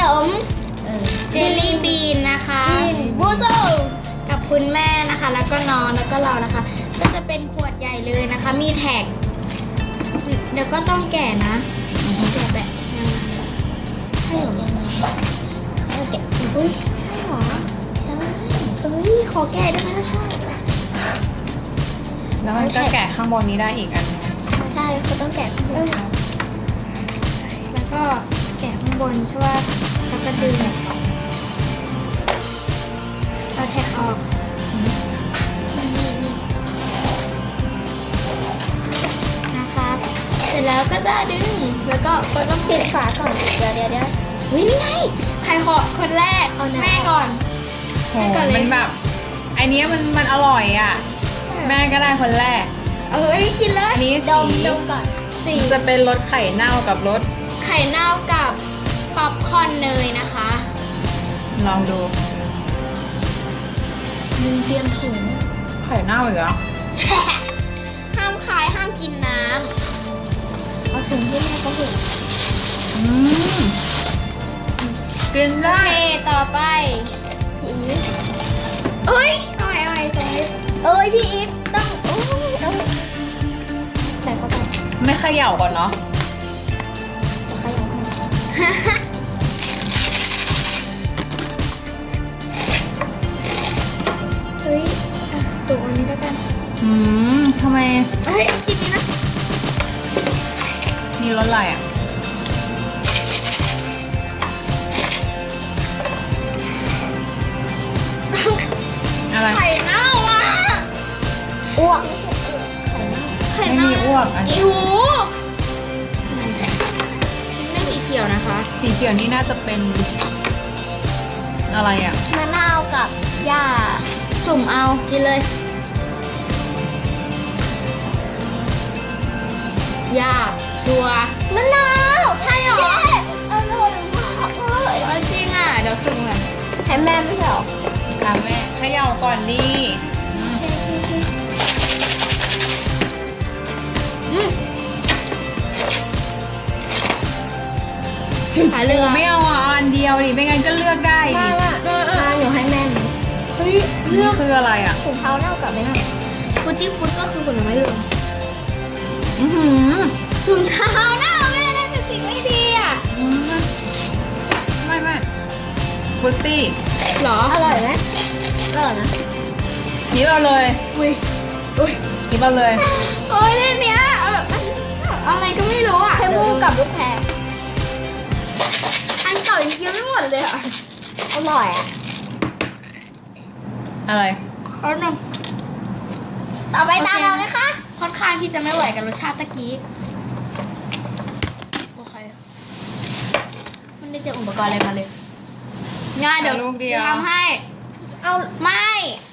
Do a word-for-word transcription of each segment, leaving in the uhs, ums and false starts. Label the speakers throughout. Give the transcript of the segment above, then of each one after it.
Speaker 1: มเจลลี่บีนนะคะบูโซกับคุณแม่นะคะแล้วก็น้องแล้วก็เรานะคะก็จะเป็นขวดใหญ่เลยนะคะมีแท็กเดี๋ยวก็ต้องแกะนะแกะแบบยังไงใช่หรอยังไงเขาแกะอุ้ยใช่หรอใช่เอ้ยขอแกะได้ไหมถ้าใช่
Speaker 2: แล้วมันก็แกะข้างบนนี้ได้อีกอันนึง
Speaker 1: ใช่เขาต้องแกะข้างบนแล้วก็แกะข้างบนใช่ป่ะแล้วก็ดึงเอาแท็กออกนะครับเสร็จแล้วก็จะดึงแล้วก็ก็ต้องปิดฝาก่อนเดี๋ยวเดี๋ยวเดี๋ยววินี่ไงใครขอคนแรกแม่ก่อน
Speaker 2: แม่ก่อนเลยมันแบบไอเนี้ยมันมันอร่อยอ่ะแม่ก็ได้คนแรก
Speaker 1: เอออันนี้กินเลย
Speaker 2: อันนี้สี
Speaker 1: ดมก่อนสี
Speaker 2: จะเป็นรสไข่เน่ากับรส
Speaker 1: ไข่เน่ากับป๊อปคอร์นเนยนะคะ
Speaker 2: ลองดู
Speaker 1: มึงเตรียมถุง
Speaker 2: ไข่เน่าอีกแล้ว
Speaker 1: ห้ามคายห้ามกินน้ำเอาถุงที่แม่ก็เห็น
Speaker 2: อืมกินได้
Speaker 1: โอเคต่อไปพี่อีฟเอ้ยเอาไว้เอาไว้ใส่เอ้ยพี่อีฟต้องโอ้ยต้องใส่เข้าไป
Speaker 2: ไม่เขย่าก่อนเนาะ
Speaker 1: เขย่าเฮ้ยสูงอันนี้แล้วกัน
Speaker 2: อืมทำไม
Speaker 1: เฮ้ยกินนี้นะ
Speaker 2: นี่รสอะไรอ่ะอะไร
Speaker 1: ไข่เน่าอ่ะอ้วกไข่เน่า
Speaker 2: ไม่มีอ้วกอันนี้
Speaker 1: หูไม่สีเขียวนะคะ
Speaker 2: สีเขียวนี่น่าจะเป็นอะไรอ่ะ
Speaker 1: มะนาวกับหญ้าสุ่มเอากินเลยหญ้าชัวมะนาวใช่หรออร่อยมากเลยจริงอ่ะเดี๋ยวสุ่มเลยให้แม่ไม่ใช่หรอ
Speaker 2: ค่ะแม่เขย่าก่อนดี
Speaker 1: หาเลือก
Speaker 2: ไม่เอาอ่ะอันเดียวดิไม่งั้นก็เลือกได้ดิ
Speaker 1: เออเอออยู่ให้แม่เฮ้ย
Speaker 2: เลือกคืออะไรอ่ะ
Speaker 1: ถุงเท้าเน่ากับไม่เน่าฟุตตี้ฟุตก็คือผลไม้รวม
Speaker 2: อือหือ
Speaker 1: ถุงเท้าเน่าแม่ได้แต่สิ่งไม่ดีอ่ะ
Speaker 2: ไม่ไม่ฟุตตี้
Speaker 1: หรออร่อยไหมอร่อยนะ
Speaker 2: หยิบเอาเลย
Speaker 1: อุ้ยอุ้ย
Speaker 2: หยิบเอาเลย
Speaker 1: โอ้ยเรื่องเนี้ยอะไรก็ไม่รู้อ่ะแค่มูกับลูกแพรอันเก่ายังกินไม่หมดเลยอ่ะอร่อยอ่ะ
Speaker 2: อะไร
Speaker 1: เอาหนึ่งต่อไปตามเราเลยค่ะค่อนข้างที่จะไม่ไหวกับรสชาติตะกี้โอเคมันได้เตรียมอุปกรณ์อะไรมาเลยง่ายเดี๋ยวจะทำให้เอาไม่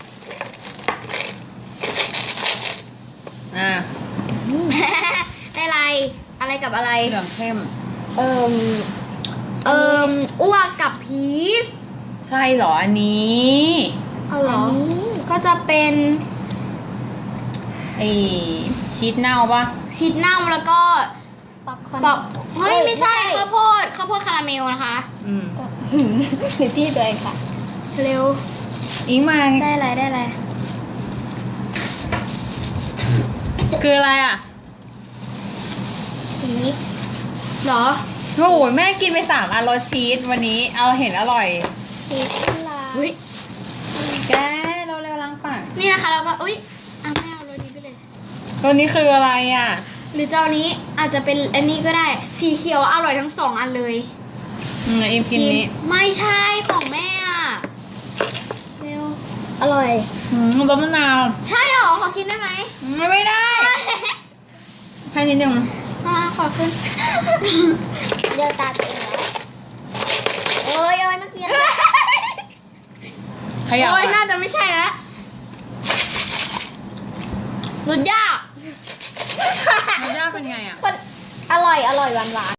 Speaker 2: อ่า
Speaker 1: ได้อะไรอะไรกับอะไร
Speaker 2: เหลืองเข้ม
Speaker 1: เอ่มเอ่มอ้วกกับพีช
Speaker 2: ใช่เหรออันนี้
Speaker 1: เอาเหรอก็จะเป็น
Speaker 2: ไอชีสเน่าปะ
Speaker 1: ชีสเน่าแล้วก็ป๊อปคอร์นเฮ้ยไม่ใช่ข้าวโพดข้าวโพดคาราเมลนะคะ
Speaker 2: อืม
Speaker 1: คือที่ตัวเองค่ะเร็ว
Speaker 2: อิงมา
Speaker 1: ได้อะไรได้อะไร
Speaker 2: คืออะไรอ่ะ
Speaker 1: ชีสเหรอ
Speaker 2: โอ้โหแม่กินไปสามอันรสชีสวันนี้เอาเห็นอร่อย
Speaker 1: ชีสลาอุ้ย
Speaker 2: แกเราเร็วล้างปาก
Speaker 1: นี่นะคะเราก็อุ้ยอ่ะไม่เอารสนี้ไปเลย
Speaker 2: รสนี้คืออะไรอ่ะ
Speaker 1: หรือเจ้านี้อาจจะเป็นอันนี้ก็ได้สีเขียวอร่อยทั้งสองอันเลย
Speaker 2: อืมอิมกินนี้
Speaker 1: ไม่ใช่ของแม่อ่ะเร็วอร่อย
Speaker 2: อืมรสมะนาว
Speaker 1: ใช่หรอขอกินได้ไหม
Speaker 2: ไม่ไม่ได้ให้นิดนึง
Speaker 1: อ่าขอขึ้นเดี๋ยวตาตัวเองแล้วโอ้ยโอ้ยเมื่อกี้
Speaker 2: ขยับ
Speaker 1: โอ้ยน่าจะไม่ใช่แล้วรสยาก
Speaker 2: รสยากเป็นไงอ่ะ
Speaker 1: อร่อยอร่อยหวานหวาน